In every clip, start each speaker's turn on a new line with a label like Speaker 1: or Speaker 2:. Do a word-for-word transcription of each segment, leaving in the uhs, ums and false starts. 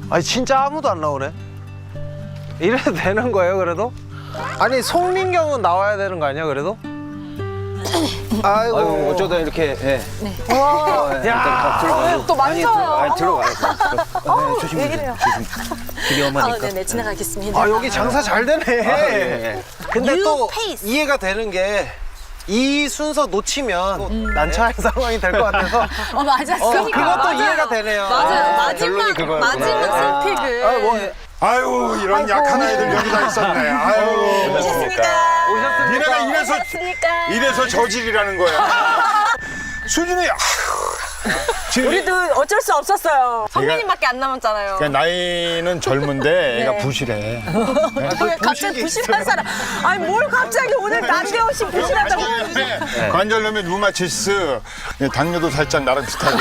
Speaker 1: 아니 진짜 아무도 안 나오네. 이래도 되는 거예요 그래도? 아니 송민경은 나와야 되는 거 아니야 그래도? 아이고,
Speaker 2: 아이고 어쩌다 이렇게 예.
Speaker 3: 네.
Speaker 2: 어, 예.
Speaker 1: 야,
Speaker 2: 들어가요.
Speaker 3: 또 만져요.
Speaker 2: 아니 들어가요. 네, 조심히
Speaker 3: 왜 이래요?
Speaker 2: 길이
Speaker 3: 아,
Speaker 2: 엄하니까.
Speaker 3: 네네, 지나가겠습니다.
Speaker 1: 아 여기 장사 잘 되네.
Speaker 2: 아, 예, 예.
Speaker 1: 근데
Speaker 3: 뉴
Speaker 1: 또
Speaker 3: 페이스.
Speaker 1: 이해가 되는 게 이 순서 놓치면 또 난처한 상황이 될 것 같아서
Speaker 3: 어, 맞아.
Speaker 1: 어,
Speaker 3: 그러니까.
Speaker 1: 그것도
Speaker 3: 맞아요.
Speaker 1: 이해가 되네요.
Speaker 3: 맞아요.
Speaker 2: 결론이
Speaker 3: 마지막,
Speaker 2: 그거였구나.
Speaker 3: 마지막 스픽을.
Speaker 1: 아, 뭐
Speaker 4: 아유 이런 약한 아이들 여기다 있었네. 아유.
Speaker 3: 오셨습니까?
Speaker 1: 오셨습니까?
Speaker 4: 니네가 이래서
Speaker 3: 오셨습니까?
Speaker 4: 이래서 저질이라는 거야. 수준이 아휴. 지금
Speaker 3: 우리도 어쩔 수 없었어요. 선배님밖에 안 남았잖아요.
Speaker 4: 그러니까 나이는 젊은데 애가
Speaker 3: 네.
Speaker 4: 부실해.
Speaker 3: 왜 갑자기 부실한 사람? 아니 뭘 갑자기 오늘 난데없이 부실하다고?
Speaker 4: 네. 관절염에 루마티스, 당뇨도 살짝 나랑 비슷하게.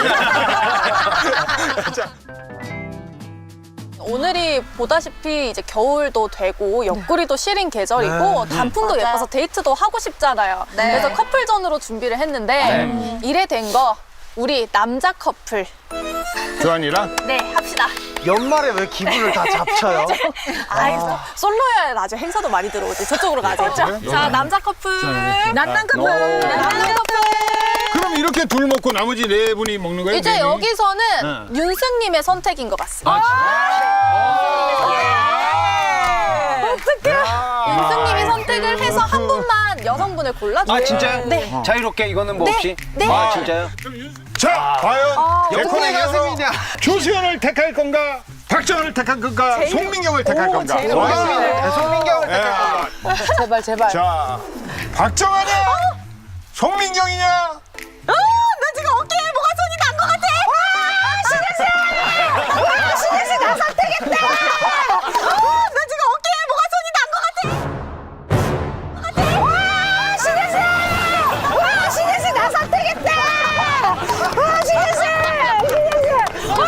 Speaker 5: 오늘이 보다시피 이제 겨울도 되고 옆구리도 시린 계절이고 단풍도
Speaker 3: 맞아요.
Speaker 5: 예뻐서 데이트도 하고 싶잖아요.
Speaker 3: 네.
Speaker 5: 그래서 커플전으로 준비를 했는데 이래 된 거 우리 남자 커플
Speaker 4: 조한이랑
Speaker 5: 네 합시다.
Speaker 1: 연말에 왜 기분을 다 잡쳐요?
Speaker 5: 아이 솔로야 나중에 행사도 많이 들어오지. 저쪽으로 가자. 자 남자 커플
Speaker 3: 난난 커플.
Speaker 5: 남자 커플.
Speaker 4: 그럼 이렇게 둘 먹고 나머지 네 분이 먹는 거예요?
Speaker 5: 이제
Speaker 4: 네 명이?
Speaker 5: 여기서는
Speaker 4: 네.
Speaker 5: 윤승님의 선택인 것 같습니다. 윤승님이 선택을 해서 한 분만 여성분을 골라주세요.
Speaker 2: 아 진짜요?
Speaker 5: 네.
Speaker 2: 자유롭게 이거는 뭐
Speaker 5: 네.
Speaker 2: 없이?
Speaker 5: 네.
Speaker 2: 아 진짜요?
Speaker 4: 자, 과연
Speaker 1: 여권의 가슴이냐?
Speaker 4: 조수현을 택할 건가? 박정현을 택할 건가? 송민경을 택할 건가?
Speaker 3: 제일
Speaker 4: 와.
Speaker 1: 송민경을
Speaker 4: 예.
Speaker 3: 제발 제발.
Speaker 4: 자, 박정현이냐? 송민경이냐?
Speaker 3: 나 지금 어깨에 뭐가 손이 난 것 같아. 와, 신혜 씨. 와, 신혜 씨 나 선택했다. 어, 나 지금 어깨에 뭐가 손이 난 것 같아. 와, 신혜 씨. 와, 신혜 씨 나 선택했다. 와, 신혜 씨. 신혜 씨. 와,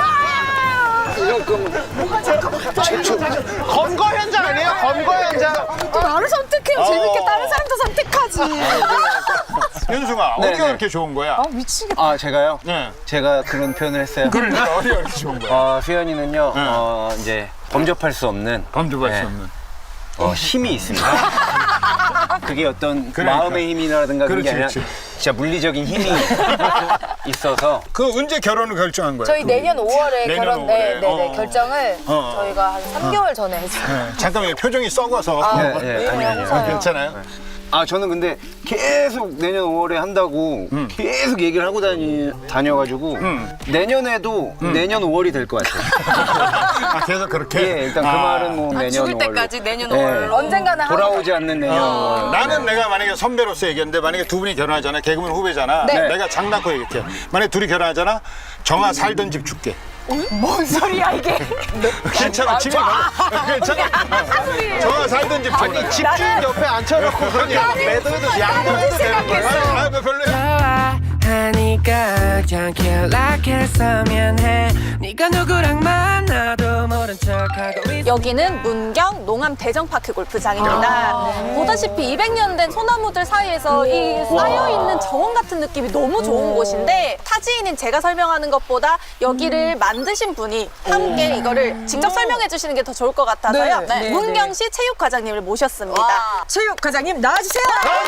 Speaker 1: 검거 현장 아니에요? 검거 현장.
Speaker 3: 또 나를 선택해요. 재밌게 다른 사람도 선택하지.
Speaker 4: 윤승아,
Speaker 2: 네,
Speaker 4: 어디가
Speaker 2: 네.
Speaker 4: 그렇게 좋은 거야?
Speaker 3: 아, 미치겠다.
Speaker 2: 아 제가요?
Speaker 4: 네.
Speaker 2: 제가 그런 표현을 했어요.
Speaker 4: 그러니까 어디가 그렇게 좋은 거야?
Speaker 2: 어, 수현이는요
Speaker 4: 네.
Speaker 2: 어, 이제 범접할 수 없는
Speaker 4: 검증할
Speaker 2: 네.
Speaker 4: 수 없는.
Speaker 2: 어, 힘이 있습니다. 그게 어떤
Speaker 4: 그러니까.
Speaker 2: 마음의 힘이라든가 그런 게
Speaker 4: 그렇지,
Speaker 2: 아니라
Speaker 4: 그렇지.
Speaker 2: 진짜 물리적인 힘이 있어서
Speaker 4: 그 언제 결혼을 결정한 거야?
Speaker 3: 저희
Speaker 4: 두 분이?
Speaker 3: 내년 오월에
Speaker 4: 내년
Speaker 3: 결혼, 네,
Speaker 4: 오월에.
Speaker 3: 네, 네,
Speaker 4: 어.
Speaker 3: 결정을
Speaker 4: 어.
Speaker 3: 저희가 한 삼 개월 전에 했어요.
Speaker 4: 네. 잠깐만요. 표정이 썩어서.
Speaker 2: 네, 네, 아니, 아니, 아니.
Speaker 4: 괜찮아요?
Speaker 2: 아 저는 근데 계속 내년 오월에 한다고
Speaker 4: 음.
Speaker 2: 계속 얘기를 하고 다니, 다녀가지고
Speaker 4: 음.
Speaker 2: 내년에도 내년 오월이 될 것 같아요.
Speaker 4: 아, 계속 그렇게?
Speaker 2: 예, 일단 그
Speaker 4: 아.
Speaker 2: 말은 뭐 내년
Speaker 5: 죽을
Speaker 2: 오월로.
Speaker 5: 때까지 내년
Speaker 2: 예.
Speaker 5: 오월로.
Speaker 3: 언젠가는 하고
Speaker 2: 돌아오지 않는 내년
Speaker 4: 어,
Speaker 2: 오월.
Speaker 4: 나는 내가 만약에 선배로서 얘기했는데 만약에 두 분이 결혼하잖아. 개그맨 후배잖아.
Speaker 3: 네.
Speaker 4: 내가 장난코 얘기할게. 만약에 둘이 결혼하잖아. 정아 살던 집 줄게.
Speaker 3: 뭔 소리야 이게?
Speaker 4: 괜찮아. 집에 가. 괜찮아. 정아 살던 집 줄게.
Speaker 1: 아니 집주인 옆에 앉혀놓고 그냥 매도해도 양보해도 되는 거야?
Speaker 4: 아, 아, 별로야.
Speaker 6: 하니까 그냥 연락했으면 해 네가 누구랑 만나도 모른 척하고 있어
Speaker 5: 여기는 문경 농암 대정파크 골프장입니다. 보다시피 이백 년 된 소나무들 사이에서 이 쌓여있는 정원 같은 느낌이 너무 좋은 곳인데 타지인인 제가 설명하는 것보다 여기를 만드신 분이 함께 이거를 직접 설명해 주시는 게 더 좋을 것 같아서요.
Speaker 3: 네, 네,
Speaker 5: 문경시 체육과장님을 모셨습니다.
Speaker 3: 체육 과장님 나와주세요.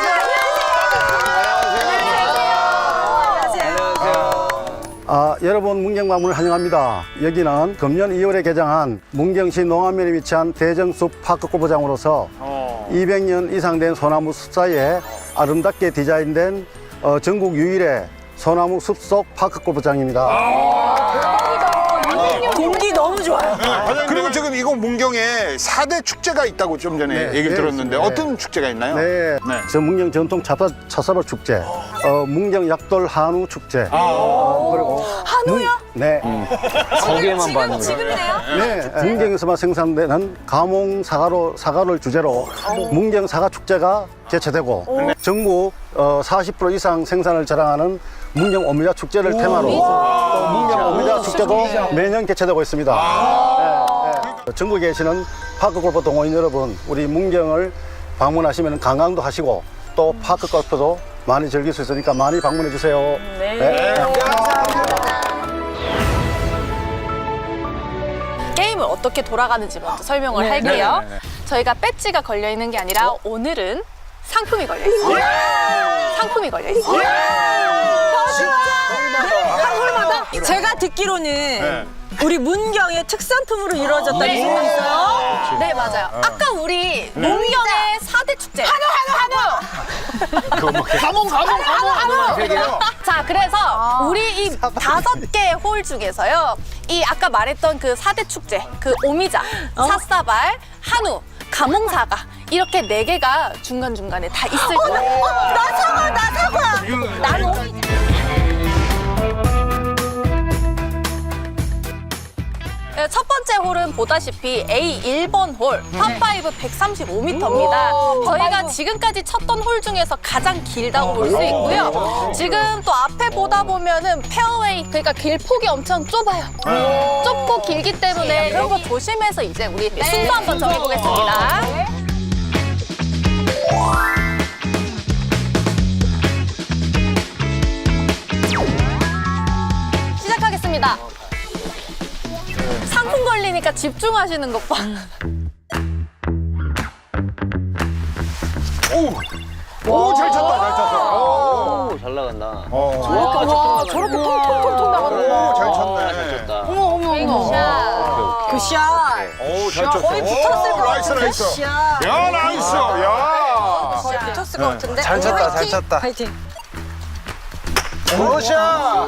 Speaker 7: 아, 여러분 문경방문을 환영합니다. 여기는 금년 이월에 개장한 문경시 농암면에 위치한 대정숲 파크 골프장으로서 이백 년 이상 된 소나무 숲 사이에 아름답게 디자인된 어, 전국 유일의 소나무 숲속 파크 골프장입니다.
Speaker 3: 공기 너무 좋아요.
Speaker 4: 그리고 지금 이거 문경에 사 대 축제가 있다고 좀 전에
Speaker 7: 네,
Speaker 4: 얘기를
Speaker 7: 네,
Speaker 4: 들었는데
Speaker 7: 네.
Speaker 4: 어떤 축제가 있나요?
Speaker 7: 네, 저 문경 전통 차사, 차사발 축제, 어, 문경 약돌 한우 축제, 어, 그리고 한우요? 네.
Speaker 2: 거기에만 봤는데.
Speaker 5: 지금이네요.
Speaker 7: 네, 문경에서만 생산되는 가몽 사과로, 사과를 주제로 문경 사과 축제가 개최되고 전국 어, 사십 퍼센트 이상 생산을 자랑하는 문경 오미자 축제를 테마로 또 문경 오미자 축제도 매년 개최되고 있습니다. 네, 네. 전국에 계시는 파크 골프 동호인 여러분, 우리 문경을 방문하시면 관광도 하시고 또 파크 골프도 많이 즐길 수 있으니까 많이 방문해 주세요. 네.
Speaker 5: 게임은 어떻게 돌아가는지 먼저 설명을
Speaker 3: 네.
Speaker 5: 할게요.
Speaker 4: 네네네.
Speaker 5: 저희가 배지가 걸려 있는 게 아니라 오늘은 상품이 걸려 있어요. 상품이 걸려 있어요.
Speaker 3: 제가 듣기로는
Speaker 4: 네.
Speaker 3: 우리 문경의 특산품으로 이루어졌다는
Speaker 5: 네.
Speaker 3: 소문이 있어요.
Speaker 5: 네, 맞아요. 아까 우리 문경의 사 대 축제. 한우, 한우, 한우!
Speaker 4: 가몽 가몽 가몽 세 개요.
Speaker 5: 자, 그래서 우리 이 다섯 개 홀 중에서요. 이 아까 말했던 그 사 대 축제, 그 오미자, 삿사발, 한우, 가몽사가 이렇게 네 개가 중간중간에 다 있을 거예요.
Speaker 3: 나 사과, 나 사과.
Speaker 5: 난 오미자. 네, 첫 번째 홀은 보다시피 에이 일 번 홀, 파파이브 백삼십오 미터입니다. 저희가 지금까지 쳤던 홀 중에서 가장 길다고 볼 수 있고요. 지금 또 앞에 보다 보면은 페어웨이, 그러니까 길폭이 엄청 좁아요. 좁고 길기 때문에 그런 거 조심해서 이제 우리 순서 한번 정해보겠습니다. 시작하겠습니다. 상품 걸리니까 집중하시는 것 봐.
Speaker 4: 오 잘 쳤다 잘 쳤어.
Speaker 2: 오, 잘 나간다.
Speaker 3: 와, 저렇게 통통통통 나가는
Speaker 4: 오 잘 쳤네.
Speaker 3: 어머, 어머, 어머. 굿샷.
Speaker 4: 오잘 쳤어.
Speaker 3: 거의 붙었을 것
Speaker 4: 나이스
Speaker 3: 같은
Speaker 4: 나이스.
Speaker 3: 굿샷.
Speaker 4: 야 나이스 야.
Speaker 3: 거의 붙었을 것 같은데.
Speaker 1: 잘 쳤다, 잘
Speaker 3: 화이팅.
Speaker 1: 쳤다.
Speaker 3: 화이팅.
Speaker 1: 굿샷!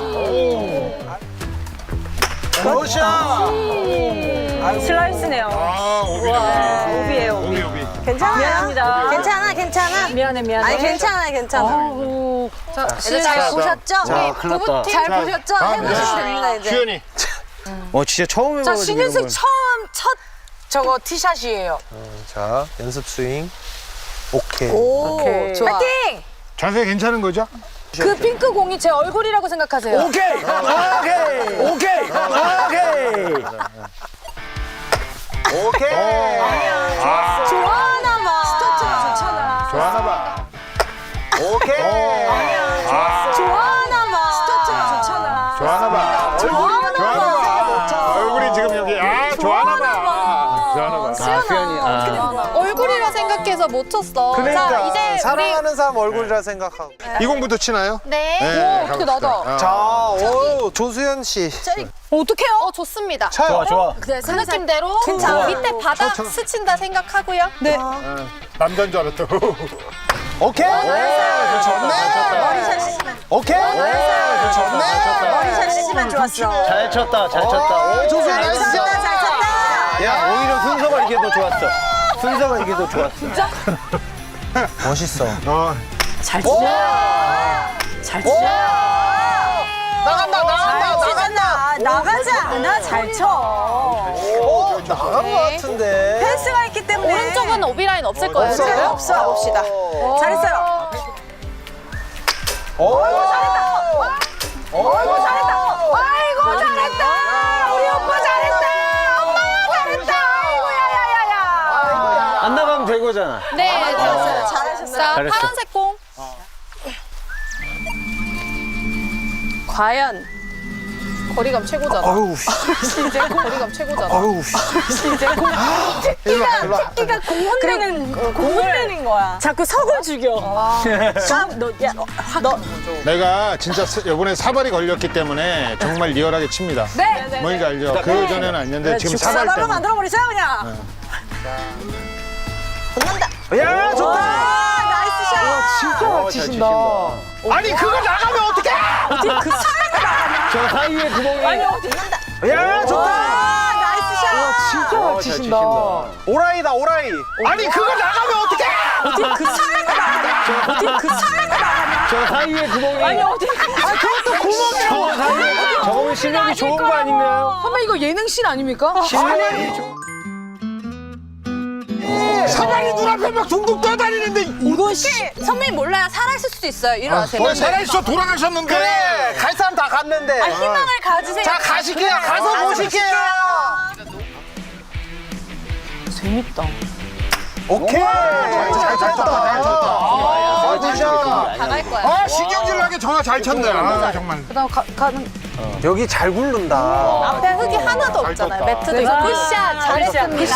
Speaker 1: 굿샷!
Speaker 3: 슬라이스네요.
Speaker 4: 아 오비
Speaker 3: 오비예요,
Speaker 4: 오비
Speaker 3: 오비.
Speaker 4: 오비.
Speaker 3: 괜찮아. 미안합니다.
Speaker 8: 괜찮아, 괜찮아.
Speaker 3: 미안해, 미안해.
Speaker 8: 아니, 괜찮아, 괜찮아.
Speaker 5: 자,
Speaker 8: 애들 잘 보셨죠?
Speaker 2: 자, 큰일 났다.
Speaker 8: 잘 보셨죠?
Speaker 4: 다음
Speaker 8: 해보시면
Speaker 4: 네.
Speaker 8: 됩니다, 이제.
Speaker 4: 주연이.
Speaker 2: 어, 진짜 처음 해봐가지고.
Speaker 8: 자, 신윤승
Speaker 2: 이런 걸.
Speaker 8: 처음 첫 저거 티샷이에요.
Speaker 1: 자, 연습 스윙. 오케이.
Speaker 8: 오, 좋아.
Speaker 3: 화이팅!
Speaker 4: 자세 괜찮은 거죠?
Speaker 3: 그 핑크 공이 제 얼굴이라고 생각하세요.
Speaker 7: 오케이, 오케이, 오케이, 오케이.
Speaker 1: 오케이.
Speaker 4: 아
Speaker 3: 좋아하나 봐. 스타트가 좋잖아.
Speaker 4: 좋아하나 봐.
Speaker 1: 오케이.
Speaker 4: 아
Speaker 3: 좋아하나 봐. 스타트가 좋잖아.
Speaker 4: 좋아하나 봐.
Speaker 3: 좋아하나
Speaker 4: 좋아하나
Speaker 3: 봐.
Speaker 4: 봐. 얼굴이 지금 여기 아 좋아하나 봐. 좋아하나 봐.
Speaker 2: 아, 수연이. 아.
Speaker 5: 얼굴이라 생각해서 못 쳤어.
Speaker 1: 그러니까
Speaker 5: 자, 이제
Speaker 1: 사랑하는 사람 얼굴이라 생각하고.
Speaker 4: 이 공부터 치나요?
Speaker 5: 우리 네.
Speaker 4: 네.
Speaker 3: 어떻게 나다.
Speaker 4: 가봅시다.
Speaker 1: 자, 오, 조수연 씨.
Speaker 3: 어떡해요?
Speaker 5: 어, 좋습니다.
Speaker 1: 쳐요.
Speaker 7: 좋아.
Speaker 5: 네, 그 느낌대로 자, 밑에 바닥 스친다 생각하고요.
Speaker 3: 네.
Speaker 4: 어, 남자인 줄 알았다.
Speaker 1: 오케이. 좋네.
Speaker 8: 머리샷 쓰지만,
Speaker 1: 오케이. 좋네.
Speaker 8: 머리샷 쓰지만 좋았어.
Speaker 2: 잘 쳤다, 잘 쳤다.
Speaker 1: 오, 조수연
Speaker 8: 잘
Speaker 1: 나이스.
Speaker 8: 쳤다, 잘 쳤다.
Speaker 2: 야, 오히려 순서가 이게 더 좋았어. 순서가 이게 더 좋았어.
Speaker 1: 멋있어.
Speaker 4: 어,
Speaker 3: 잘 치죠. 잘 치죠.
Speaker 1: 나간다, 나간다,
Speaker 3: 잘 치잖아. 나가지 않아. 잘 쳐.
Speaker 1: 오, 나간 것 같은데.
Speaker 3: 펜스가 있기 때문에.
Speaker 5: 오른쪽은 오비라인 없을 거예요.
Speaker 1: 없어요?
Speaker 5: 지금?
Speaker 8: 없어, 봅시다.
Speaker 3: 잘했어요.
Speaker 1: 오,
Speaker 3: 아이고, 잘했다. 아이고, 잘했다. 우리 오빠 잘했다. 엄마야, 잘했다. 아이고, 야야야야.
Speaker 2: 안 나가면 된 거잖아.
Speaker 5: 네, 잘했어요.
Speaker 8: 잘하셨어요.
Speaker 5: 자,
Speaker 2: 잘했어.
Speaker 5: 파란색 공. 과연 거리감 최고잖아.
Speaker 1: 어우, 씨.
Speaker 5: 이제 거리감 최고잖아.
Speaker 1: 어우, 씨.
Speaker 3: 이제 공,
Speaker 1: 일로 와, 일로 와.
Speaker 3: 끼가 공hun되는, 공hun되는 거야. 자꾸 석을 죽여. 자, 너, 야, 너.
Speaker 4: 내가 진짜 스- 이번에 사발이 걸렸기 때문에 정말 리얼하게 칩니다.
Speaker 3: 네. 네.
Speaker 4: 뭔지 알죠? 그 전에는 아니었는데 지금 사발
Speaker 3: 죽사발로
Speaker 4: 때문에.
Speaker 3: 만들어버리세요, 그냥.
Speaker 8: 붙는다.
Speaker 1: 야, 좋다.
Speaker 3: 아, 나이스 샷.
Speaker 7: 진짜
Speaker 2: 어, 잘 치신다.
Speaker 1: 아니, 그거 나가면 어떡해?
Speaker 3: 그 사이가 나가냐?
Speaker 2: 저 사이에 구멍이.
Speaker 3: 아니, 어디.
Speaker 1: 야, 좋다.
Speaker 3: 아, 나이스 샷.
Speaker 7: 진짜
Speaker 2: 어,
Speaker 7: 잘
Speaker 2: 잘
Speaker 7: 치신다.
Speaker 1: 오라이다, 오라이. 아니, 그거 나가면 어떡해?
Speaker 3: 어디 그 사이가 나가냐? 어디 그 사이가 나가냐?
Speaker 2: 저 사이에 구멍이.
Speaker 3: 아니, 어디. 아, 그것도 구멍이라고.
Speaker 2: 저 사이에. 저거는 실력이 좋은 거 아닌가요?
Speaker 3: 선배, 이거 예능씬 아닙니까?
Speaker 2: 실력이 좋은.
Speaker 4: 사발이 눈앞에 막 둥둥 떠다니는데
Speaker 3: 이건 씨.
Speaker 5: 선배님 몰라요. 살아있을 수도 있어요. 일어나세요.
Speaker 4: 어, 살아있어 돌아가셨는데.
Speaker 1: 그래, 갈 사람 다 갔는데.
Speaker 5: 희망을 가지세요.
Speaker 1: 자, 가실게요. 가서 보실게요.
Speaker 3: 재밌다.
Speaker 1: 오케이. 잘 쳤다, 잘 쳤다. 잘 쳤다.
Speaker 5: 다 갈 거야.
Speaker 4: 아, 신경질 나게 전화 잘 쳤네. 아, 정말.
Speaker 8: 그다음 가, 가는
Speaker 1: 여기 잘 굴른다.
Speaker 5: 앞에 흙이 하나도 없잖아요.
Speaker 4: 떴다.
Speaker 5: 매트도 있고. 굿샷 잘했습니다.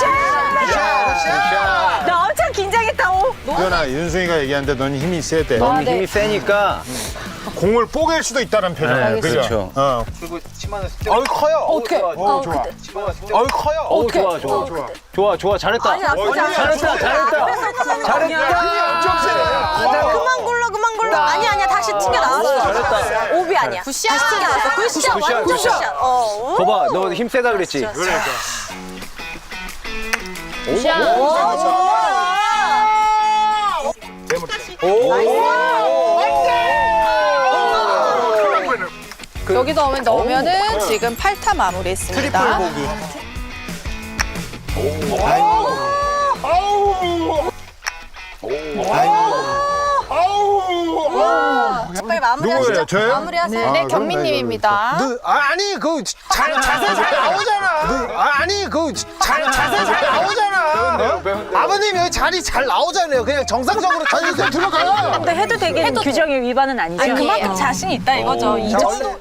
Speaker 3: 나 엄청 긴장했다. 오.
Speaker 4: 유연아, 윤승이가 얘기하는데 넌 힘이 세대.
Speaker 2: 너무 힘이 세니까.
Speaker 4: 공을 뽀갤 수도 있다는 표정.
Speaker 2: 네,
Speaker 4: 그죠?
Speaker 2: 그렇죠.
Speaker 4: 어.
Speaker 2: 그리고 치마는 스텝.
Speaker 1: 어이 커요.
Speaker 3: 어떻게?
Speaker 4: 어, 좋아.
Speaker 1: 어이 커요.
Speaker 2: 어, 좋아, 좋아.
Speaker 4: 좋아.
Speaker 2: 좋아, 좋아. 잘했다.
Speaker 3: 아니 나쁘지 않아.
Speaker 2: 잘했다, 잘했다. 잘했다.
Speaker 4: 엄청 세네.
Speaker 3: 그만 굴러 그만 굴러. 아니 아니야 다시 튕겨 나왔어.
Speaker 2: 잘했다.
Speaker 3: 오비 아니야.
Speaker 5: 굿샷.
Speaker 3: 다시 튕겨 나왔어. 굿샷.
Speaker 2: 굿샷,
Speaker 3: 완전
Speaker 2: 굿샷.
Speaker 3: 굿샷. 어.
Speaker 2: 거봐, 너 힘 세다 그랬지?
Speaker 4: 그러니까.
Speaker 5: 여기서 오면 넣으면은 지금 팔 타 마무리했습니다.
Speaker 1: 트리플 보기.
Speaker 4: 아우. 아우.
Speaker 3: 빨리 마무리하시죠.
Speaker 4: 누구예요? 저요?
Speaker 3: 마무리하세요.
Speaker 5: 네, 경민님입니다.
Speaker 1: 너, 아, 아니 그 잘, 자세 잘 나오잖아. 너, 아, 아니 그 잘, 자세 잘 나오잖아. 아버님 여기 자리 잘 나오잖아요. 그냥 정상적으로 자리 좀 들어가요.
Speaker 3: 근데 해도 되게 규정의 위반은 아니죠.
Speaker 5: 아니, 그만큼 자신 있다 이거죠. 이 정도.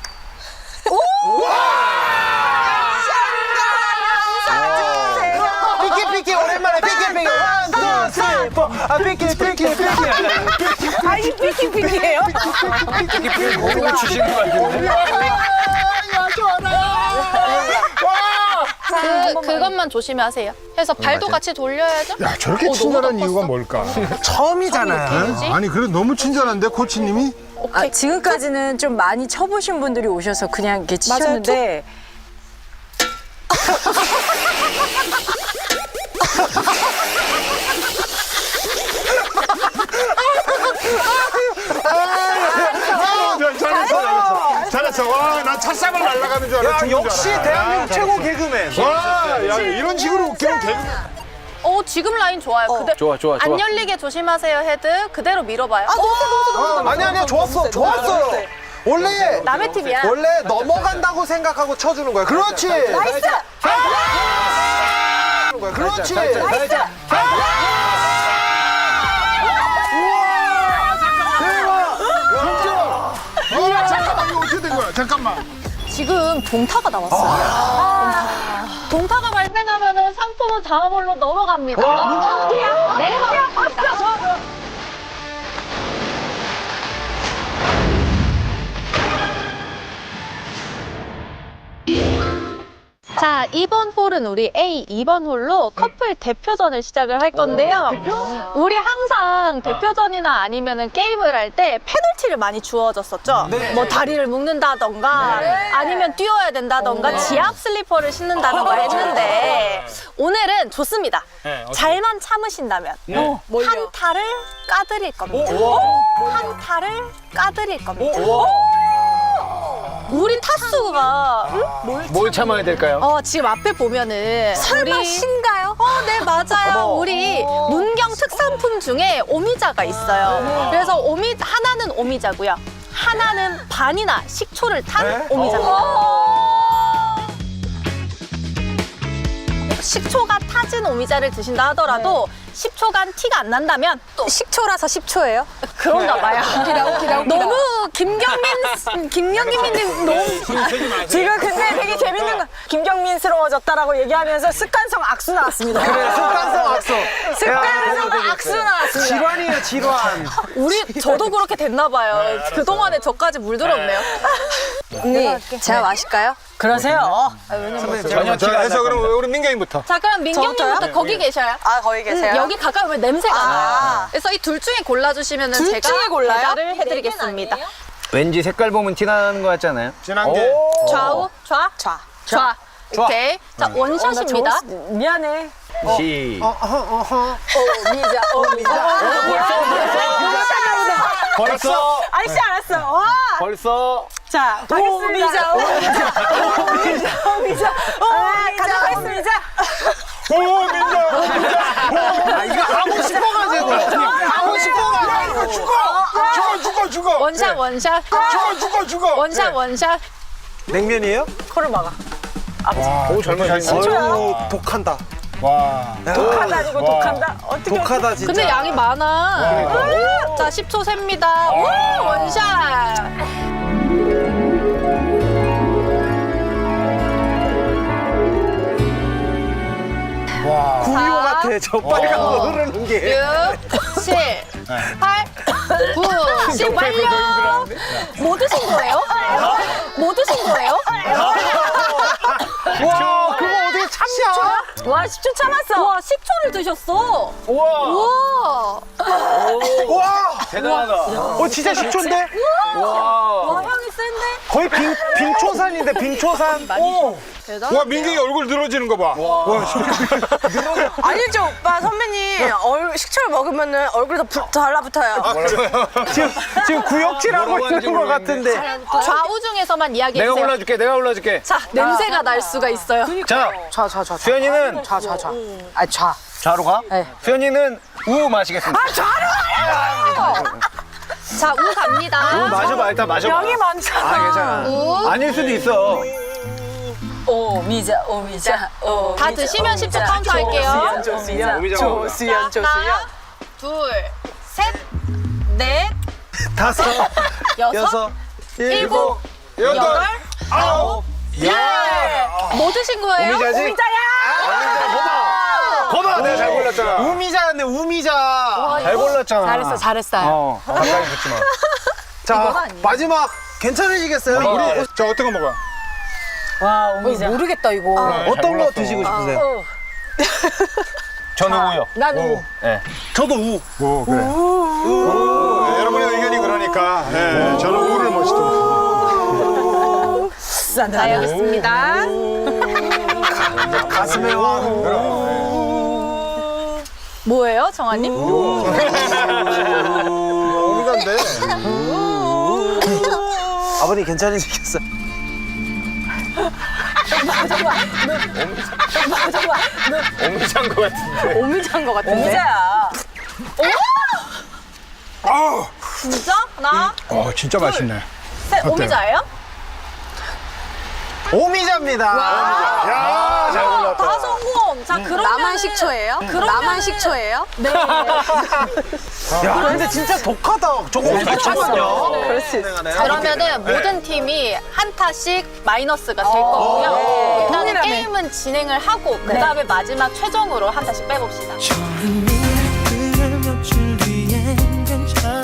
Speaker 1: 삐끼 삐끼 오랜만에 삐끼 삐끼 원, 투, 쓰리, 포. 아 삐끼 삐끼 삐끼.
Speaker 3: 아, 이 삐끼 삐끼예요?
Speaker 2: 공을 주시는 거 같은데?
Speaker 5: 그, 그것만 조심하세요. 해서 발도 같이 돌려야죠.
Speaker 4: 야, 저렇게
Speaker 5: 어,
Speaker 4: 친절한
Speaker 5: 너무
Speaker 4: 이유가 뭘까?
Speaker 1: 처음이잖아요.
Speaker 5: 그지?
Speaker 4: 아니, 그래 너무 친절한데 코치님이?
Speaker 8: 아, 지금까지는 좀 많이 쳐보신 분들이 오셔서 그냥 이렇게 치셨는데
Speaker 4: 아, 잘했어, 잘했어. 잘했어. 와, 난 찻삽을 날아가는 줄 알았어.
Speaker 1: 야
Speaker 4: 죽는 줄
Speaker 1: 역시
Speaker 4: 알았어.
Speaker 1: 대한민국
Speaker 4: 아,
Speaker 1: 최고 개그맨.
Speaker 4: 와, 야, 이런 식으로 웃기면 개그.
Speaker 5: 어, 지금 라인 좋아요. 그대...
Speaker 2: 좋아, 좋아, 좋아.
Speaker 5: 안 열리게 조심하세요, 헤드. 그대로 밀어봐요.
Speaker 1: 아니 아니야 좋았어 좋았어요. 원래
Speaker 5: 남의 팀이야.
Speaker 1: 원래 넘어간다고 생각하고 쳐주는 거야. 그렇지. 나이스. 그렇지. 나이스.
Speaker 4: 어, 잠깐만, 이거 어떻게 된 거야? 잠깐만.
Speaker 5: 지금 동타가 나왔어요. 아. 동타가 발생하면은 상품은 다음 홀로 넘어갑니다. 내려갑니다. 자, 이번 홀은 우리 A 이 번 홀로 커플 대표전을 시작을 할 건데요. 우리 항상 대표전이나 아니면은 게임을 할 때 페널티를 많이 주어졌었죠. 뭐 다리를 묶는다던가 아니면 뛰어야 된다던가 지압 슬리퍼를 신는다던가 했는데 오늘은 좋습니다. 잘만 참으신다면 한 타를 까드릴 겁니다. 한 타를 까드릴 겁니다. 우리 타수가 응?
Speaker 2: 뭘 참아야 될까요?
Speaker 5: 어, 지금 앞에 보면은 설마 우리... 신가요? 어, 네, 맞아요. 우리 문경 특산품 중에 오미자가 있어요. 그래서 오미 하나는 오미자고요. 하나는 반이나 식초를 탄 오미자입니다. 식초가 타진 오미자를 드신다 하더라도 십 초간 티가 안 난다면 또
Speaker 3: 식초라서 십 초예요?
Speaker 5: 그런가 봐요. 너무 김경민, 김경민님 너무
Speaker 8: 지금 근데 되게 재밌는 거 김경민스러워졌다라고 얘기하면서 습관성 악수 나왔습니다.
Speaker 1: 그래 습관성 악수.
Speaker 8: 습관성 악수 나왔습니다.
Speaker 1: 질환이에요 질환.
Speaker 5: 우리 저도 그렇게 됐나 봐요. 그동안에 저까지 물들었네요.
Speaker 3: 언니, 제가 마실까요?
Speaker 8: 그러세요.
Speaker 4: 전혀 자, 해서 그럼 우리 민경이부터.
Speaker 5: 자, 그럼 민경님부터 거기 계셔요.
Speaker 3: 아, 거기 계세요?
Speaker 5: 음, 여기 가까이 오면 냄새가
Speaker 3: 아.
Speaker 5: 나요. 그래서 이 둘 중에 골라주시면
Speaker 3: 둘
Speaker 5: 제가
Speaker 3: 중에 골라요?
Speaker 5: 배달을 해드리겠습니다.
Speaker 2: 왠지 색깔 보면 티 나는 거 같지 않아요?
Speaker 4: 진한 게.
Speaker 5: 좌우, 좌,
Speaker 3: 좌.
Speaker 5: 좌. 오케이. 자, 원샷입니다.
Speaker 8: 어, 미안해.
Speaker 2: 시.
Speaker 8: 미자, 어, 미자.
Speaker 2: 벌써.
Speaker 8: 알지 않았어. 와.
Speaker 2: 벌써.
Speaker 8: 자, 가겠습니다. 오미자, 오미자, 오미자, 오미자, 가져가겠습니다.
Speaker 4: 오, 민경.
Speaker 1: 아 이거 하고 싶어가지고. 하고 싶어가지고.
Speaker 4: 죽어, 죽어, 죽어.
Speaker 5: 원샷, 원샷.
Speaker 4: 죽어, 죽어, 죽어.
Speaker 5: 원샷, 원샷.
Speaker 1: 냉면이에요?
Speaker 8: 코를 막아.
Speaker 4: 오, 젊은
Speaker 1: 어유 독한다.
Speaker 4: 와.
Speaker 8: 독하다 아니고
Speaker 4: 와.
Speaker 8: 독한다? 어떻게
Speaker 2: 독하다 진짜.
Speaker 5: 근데 양이 많아. 자, 십 초 셉니다. 오, 원샷.
Speaker 2: 구미호 같아. 저 빨간 거 흐르는 게.
Speaker 5: 육, 칠, 팔, 구, 십 완료. 뭐 드신 거예요? 뭐 드신 거예요?
Speaker 1: 와 그거 어떻게 참냐?
Speaker 8: 와 십 초 참았어.
Speaker 5: 와, 십 초를 드셨어.
Speaker 2: 우와.
Speaker 5: 우와.
Speaker 1: 와,
Speaker 2: 대단하다.
Speaker 1: 어 진짜 십 초인데?
Speaker 2: 와.
Speaker 5: 와, 향이 센데?
Speaker 1: 거의 빙 빙초산인데 빙초산. 오.
Speaker 5: 대단.
Speaker 4: 와, 민경이 얼굴 늘어지는 거 봐. 와,
Speaker 8: 아니죠 오빠 선배님 얼, 식초를 먹으면은 얼굴이 더 부- 달라붙어요.
Speaker 1: 지금 지금 구역질하고
Speaker 2: 뭐라고 하는지
Speaker 1: 있는 것
Speaker 2: 모르겠는데.
Speaker 1: 같은데.
Speaker 5: 좌우 중에서만
Speaker 2: 내가
Speaker 5: 이야기해주세요.
Speaker 2: 골라줄게. 내가 골라줄게.
Speaker 5: 자, 냄새가 날 수가 있어요.
Speaker 2: 자,
Speaker 8: 좌 좌 좌.
Speaker 2: 수현이는
Speaker 8: 좌 좌 좌. 아 좌.
Speaker 2: 좌로 가.
Speaker 8: 네.
Speaker 2: 수현이는 우 마시겠습니다.
Speaker 5: 자, 우 갑니다.
Speaker 2: 우 마셔봐. 일단 마셔봐.
Speaker 8: 양이 많잖아.
Speaker 2: 아, 괜찮아.
Speaker 5: 우.
Speaker 2: 아닐 수도 있어.
Speaker 8: 오미자 오미자 오.
Speaker 5: 다 드시면 십 초 카운트 할게요.
Speaker 8: 조수연
Speaker 2: 오미자
Speaker 8: 조수연 조수연.
Speaker 5: 하나, 둘, 셋, 넷,
Speaker 1: 다섯,
Speaker 5: 여섯,
Speaker 1: 여섯,
Speaker 5: 일곱, 여덟, 아홉, 열. 뭐 드신 거예요?
Speaker 2: 오미자지? 거봐. 내가 잘 골랐잖아.
Speaker 1: 우미자였네 우미자.
Speaker 2: 잘 골랐잖아.
Speaker 8: 잘했어 잘했어요.
Speaker 2: 어. 가까이 붙지 마.
Speaker 1: 자 마지막 괜찮으시겠어요?
Speaker 4: 우리 저 어떤 거 먹어요?
Speaker 8: 와 오미자. 모르겠다 이거.
Speaker 1: 어떤 거 드시고 싶으세요?
Speaker 2: 저는 우요.
Speaker 8: 난 우.
Speaker 1: 저도 우.
Speaker 4: 오, 그래. 우. 여러분의 의견이 그러니까. 네, 저는 우를 멋있더라고요.
Speaker 5: 자, 여기 있습니다.
Speaker 1: 가슴에 와.
Speaker 5: 뭐예요, 정아님?
Speaker 1: 우미자인데. 아버님 괜찮으시겠어요?
Speaker 2: 오미자인 것 같은데.
Speaker 5: 오미자인 것 같은데.
Speaker 8: 오미자야.
Speaker 4: 아우.
Speaker 5: 진짜? 하나,
Speaker 4: 어, 진짜 맛있네.
Speaker 5: 셋, 오미자예요?
Speaker 1: 오미자입니다.
Speaker 4: 야, 잘 골랐다.
Speaker 5: 다 성공. 자, 그러면
Speaker 3: 나만 식초예요? 나만 식초예요?
Speaker 5: 네.
Speaker 1: 야 근데 진짜 독하다. 저거 엄청나요.
Speaker 8: 그럴 수 있어.
Speaker 5: 그러면은 모든 팀이 한 타씩 마이너스가 될 거고요. 일단은
Speaker 8: 동일하네.
Speaker 5: 게임은 진행을 하고 그 다음에 마지막 최종으로 한 타씩 빼봅시다.
Speaker 6: 좋은 일을 며칠 뒤엔 괜찮아